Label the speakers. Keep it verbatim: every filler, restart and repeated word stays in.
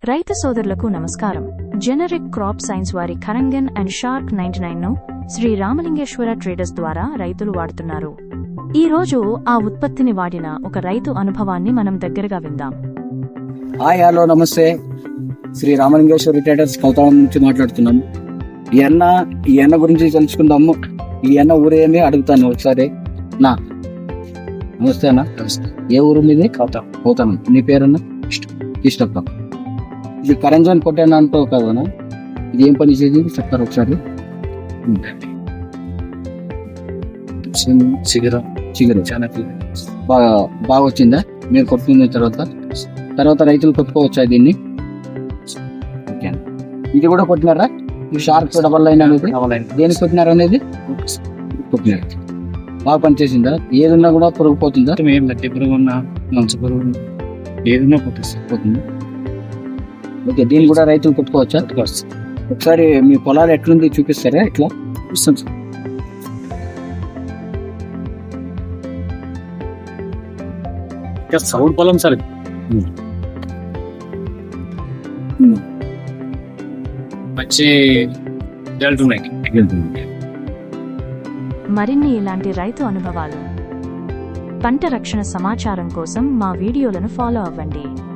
Speaker 1: రైతు సోదరులకు నమస్కారం. జెనరిక్ క్రాప్ సైన్స్ వారి కరంగన్ అండ్ షార్క్ నైన్టీ నైన్ ను శ్రీ రామలింగేశ్వర ట్రేడర్స్ ద్వారా రైతులు వాడుతున్నారు. ఈ రోజు ఆ ఉత్పత్తిని వాడిన ఒక రైతు అనుభవాన్ని మనం దగ్గరగా విందాం.
Speaker 2: హాయ్ హలో నమస్తే. శ్రీ రామలింగేశ్వర ట్రేడర్స్ కౌతాళం నుంచి మాట్లాడుతున్నాం. ఈ అన్న ఈ అన్న గురించి తెలుసుకుందాము. ఈ అన్న ఊరేమి అడుగుతాను ఒకసారి. నా నమస్తే అన్న. నమస్తే. ఏ ఊరు మీది? కౌతాం. కౌతాం. నీ పేరన్నా? ఇష్టం. ఇది కరంజన్ కొట్టాను అంటావు కదనా? ఇది ఏం పని చేసేది చెప్తారు ఒకసారి.
Speaker 3: చిగురం
Speaker 2: చిగురు
Speaker 3: చాలా
Speaker 2: బాగా బాగా వచ్చిందా మీరు కొట్టుకున్న తర్వాత? తర్వాత రైతులు కొట్టుకోవచ్చా దీన్ని? ఓకే. ఇది కూడా కొట్టినారా? ఈ షార్క్ డబల్ లైన్ అనేది దేనికి కొట్టినారు అనేది కొట్టినారు. బాగా పనిచేసిందా? ఏదున్నా కూడా పురుగు పోతుందా?
Speaker 3: ఏం గట్టి పురుగు ఉన్నా మంచి పురుగు ఏదైనా పోతుంది.
Speaker 2: ఓకే. దీన్ని కూడా రైతులు కొట్టుకోవచ్చా? ఒకసారి మీ పొలాలు ఎట్లుంది చూపిస్తారా? ఇట్లా
Speaker 3: ఇస్తాం సార్. సౌండ్ పొలం సార్. మంచి రిజల్ట్ ఉన్నాయి.
Speaker 1: మరిన్ని ఇలాంటి రైతు అనుభవాలు, పంట రక్షణ సమాచారం కోసం మా వీడియోలను ఫాలో అవ్వండి.